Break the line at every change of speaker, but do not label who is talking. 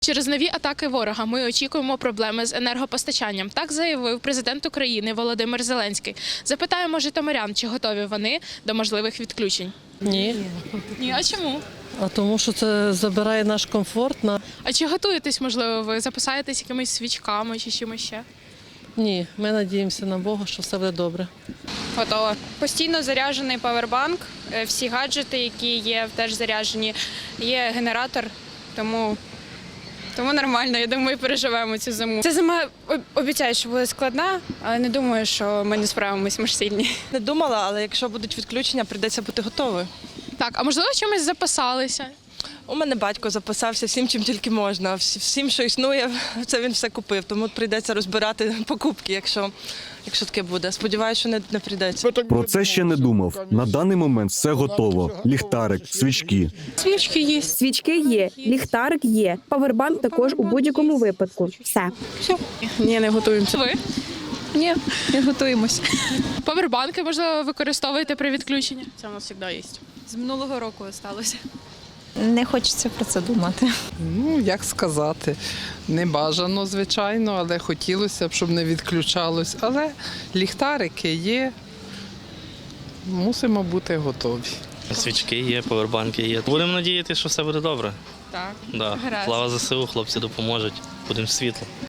Через нові атаки ворога ми очікуємо проблеми з енергопостачанням. Так заявив президент України Володимир Зеленський. Запитаємо житомирян, чи готові вони до можливих відключень.
Ні.
Ні, а чому?
А тому що це забирає наш комфорт.
А чи готуєтесь, можливо, ви запасаєтесь якимись свічками чи чимось ще?
Ні, ми надіємося на Бога, що все буде добре.
Готова. Постійно заряджений павербанк, всі гаджети, які є, теж заряджені. Є генератор, тому нормально, я думаю, переживемо цю зиму. Ця зима, обіцяю, що буде складна, але не думаю, що ми не справимось, ми ж сильні.
Не думала, але якщо будуть відключення, прийдеться бути готовою.
Так, а можливо, чимось запасалися?
У мене батько запасався всім, чим тільки можна. Всім, що існує, це він все купив. Тому прийдеться розбирати покупки, якщо таке буде. Сподіваюся, що не прийдеться.
Про це ще не думав. На даний момент все готово. Ліхтарик, свічки.
Свічки є, ліхтарик є, павербанк також у будь-якому випадку. Все.
Ні, не готуємося.
Ви?
Ні, не готуємось.
Павербанки, можливо, використовуєте при відключенні?
Це у нас завжди є.
З минулого року сталося.
Не хочеться про це думати.
Ну, як сказати, не бажано, звичайно, але хотілося б, щоб не відключалось. Але ліхтарики є, мусимо бути готові.
Свічки є, павербанки є. Будемо надіятися, що все буде добре.
Так.
Да.
Гаразд.
Слава ЗСУ, хлопці допоможуть. Будемо світло.